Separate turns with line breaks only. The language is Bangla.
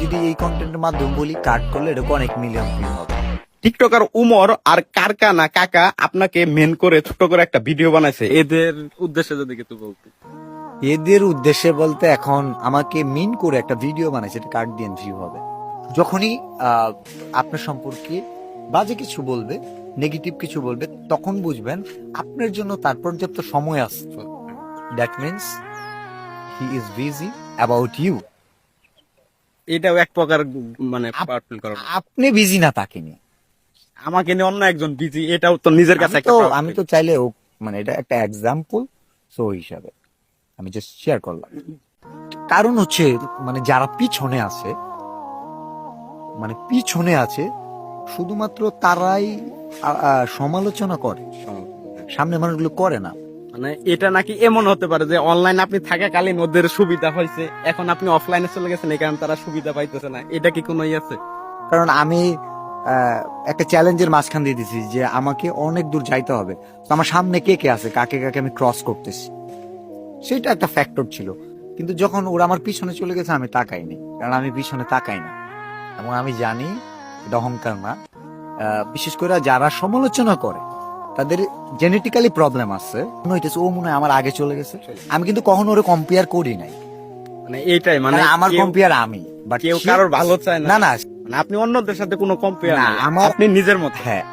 যদি এই কন্টেন্টের মাধ্যমে বলি কাট করলে এরকম অনেক মিলিয়ন ভিউ হবে।
টিকটকার উমর আর কারকানা কাকা আপনাকে মেন করে ছোট করে একটা ভিডিও বানাইছে, এদের উদ্দেশ্যে যদি কিছু বলতে।
এদের উদ্দেশ্যে বলতে এখন আমাকে মিন করে একটা ভিডিও বানাইছে, এটা কাট দিয়ে ভিউ হবে। যখনই আপনার সম্পর্কে বাজে কিছু বলবে, নেগেটিভ কিছু বলবে, তখন বুঝবেন আপনার জন্য তার পর্যাপ্ত সময় আসছে। That means he is busy about you.
এটাও এক প্রকার মানে পাওয়ারফুল করা।
আপনি বিজি না তাকে নিয়ে।
আমাকে নিয়ে অন্য একজন বিজি, এটাও তো নিজের কাছে একটা
আমি তো চাইলে মানে এটা একটা এক্সাম্পল, সো হিসাবে আমি জাস্ট শেয়ার করলাম। কারণ হচ্ছে মানে যারা পিছনে আছে, মানে পিছনে আছে শুধুমাত্র তারাই সমালোচনা করে, সামনে মানুষগুলো করে না।
মানে এটা নাকি এমন হতে পারে যে অনলাইন আপনি থাকাকালীন ওদের সুবিধা হয়েছে, এখন আপনি অফলাইনে চলে গেছেন এই কারণে তারা সুবিধা পাইতেছে না, এটা কি কোনো আছে?
কারণ আমি একটা চ্যালেঞ্জের মাঝখান দিয়ে দিছি যে আমাকে অনেক দূর যাইতে হবে, তো আমার সামনে কে কে আছে, কাকে কাকে আমি ক্রস করতেছি, সেটা একটা ফ্যাক্টর ছিল। কিন্তু যখন ওরা আমার পিছনে চলে গেছে আমি তাকাইনি, কারণ আমি পিছনে তাকাই না এবং আমি জানি এটা অহংকার না। বিশেষ করে যারা সমালোচনা করে তাদের জেনেটিক্যালি প্রবলেম আছে, ও মনে হয় আমার আগে চলে গেছে। আমি কিন্তু কখনো ওরে কম্পেয়ার করি নাই,
মানে এইটাই মানে
আমার কম্পেয়ার আমি, বাট
কেউ কারোর ভালো চায় না।
না না
মানে আপনি অন্যদের সাথে কোনো কম্পেয়ার
না,
না, আপনি নিজের মতো।
হ্যাঁ